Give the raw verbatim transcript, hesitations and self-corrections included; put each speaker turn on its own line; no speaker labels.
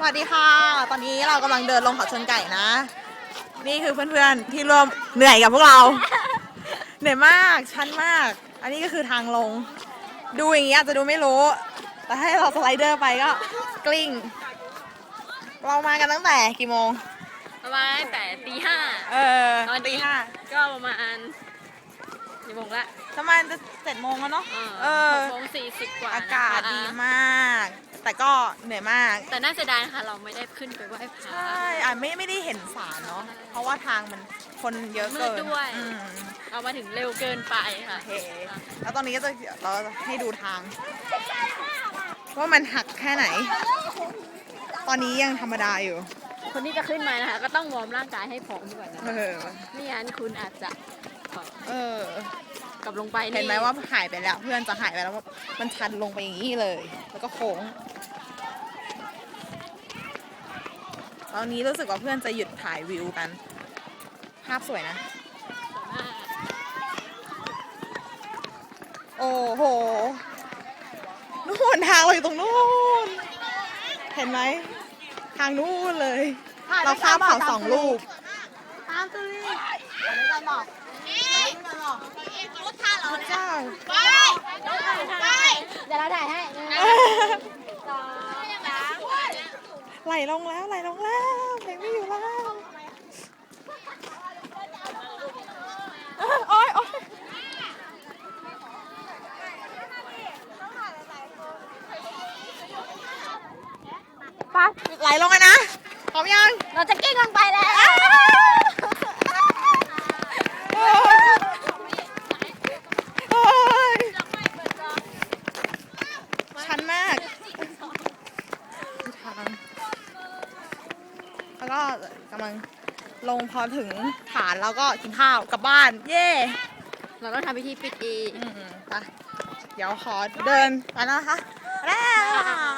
วัสดีค่ะ ตอนนี้เรากำลังเดินลงเขาชนไก่นะ นี่คือเพื่อนๆที่ร่วมเหนื่อยกับพวกเรา เหนื่อยมากชันมาก อันนี้ก็คือทางลง ดูอย่างนี้อาจจะดูไม่รู้ แต่ให้เราสไลเดอร์ไปก็กลิ้ง เรามากันตั้งแต่กี่โมง
ประมาณแต่ตีห้า
เออ
ตอน
ตี
นี้
ห้า
ก็ประมาณกี่โมงละ
ประมาณจะเจ็ดโมงแล้วเนาะ เออ
หกโมงสี่สิบกว่า
อากาศ
นะคะ
ดีมาก แต่ก็เหนื่อยมาก
แต่น่าเสียดายนะคะเราไม่ได้ขึ้นไปไหว้พระ
ใช่อ่ะไม่ไม่ได้เห็นสารเนาะ เพราะว่าทางมันคนเยอะ
มื
เกิ
ด
น
ด้วย
อืม
เรามาถึงเร็วเกินไปค่ะ
โอเค แล้วตอนนี้ก็จะเราจะให้ดูทาง ว่ามันหักแค่ไหน ตอนนี้ยังธรรมดาอยู่
คนที่จะขึ้นมานะคะก็ต้องวอร์มร่างกายให้พร้อมก่อนนะ
เออ
ไม่งั้นคุณอาจจะเอ่อ
เออ
กลับลงไป
เห็นไหมว่าหายไปแล้ว เพื่อนจะหายไปแล้วว่ามันชันลงไปอย่างนี้เลย แล้วก็โค้ง ตอนนี้รู้สึกว่าเพื่อนจะหยุดถ่ายวิวกัน ภาพสวยนะ โอ้โห นู่นทางเราอยู่ตรงนู้น เห็นไหม ทางนู้นเลย เราข้ามเขาสองลูก
ตามตื้อ
ไม่กันหรอกไม่กันหรอก
รถท่าเรา
พระเจ้า
ไปไปเดี๋ยวเราถ่ายให้หนึ่งสองสาม
ไหลลงแล้วไหลลงแล้วเพลงไม่อยู่แล้วโอ๊ยโอ๊ยไปไหลลงกันนะพร้อมยัง
เราจะกิ้งลงไปแล้ว
โอ๊ยโอ๊ยชันมากทางแล้วก็กำลังลงพอถึงฐานแล้วก็กินข้าวกลับบ้าน เย่
เราต้องทำพิธีปิดอีก
อืมๆไปเดี๋ยวขอเดินไปแล้วนะคะไปแล้ว